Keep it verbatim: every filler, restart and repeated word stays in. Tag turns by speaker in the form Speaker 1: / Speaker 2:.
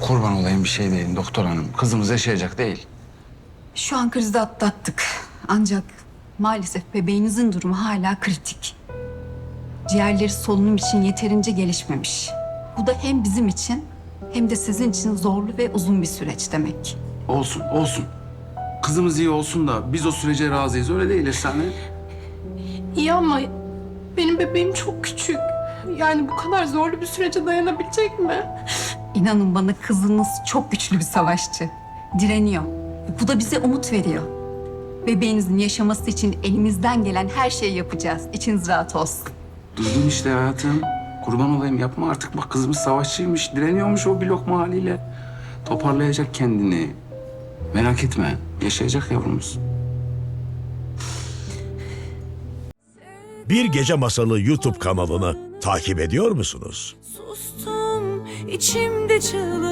Speaker 1: Kurban olayım bir şey deyin doktor hanım. Kızımız yaşayacak değil.
Speaker 2: Şu an krizi atlattık. Ancak maalesef bebeğinizin durumu hala kritik. Ciğerleri solunum için yeterince gelişmemiş. Bu da hem bizim için hem de sizin için zorlu ve uzun bir süreç demek.
Speaker 1: Olsun, olsun. Kızımız iyi olsun da biz o sürece razıyız. Öyle değil efsane.
Speaker 3: İyi ama benim bebeğim çok küçük. Yani bu kadar zorlu bir sürece dayanabilecek mi?
Speaker 2: İnanın bana kızınız çok güçlü bir savaşçı. Direniyor. Bu da bize umut veriyor. Bebeğinizin yaşaması için elimizden gelen her şeyi yapacağız. İçiniz rahat olsun.
Speaker 1: Duydun işte hayatım. Kurban olayım yapma artık. Bak kızımız savaşçıymış. Direniyormuş o bir lokma haliyle. Toparlayacak kendini. Merak etme. Yaşayacak yavrumuz.
Speaker 4: Bir Gece Masalı YouTube kanalını takip ediyor musunuz?
Speaker 5: Sustum içimde çığlık.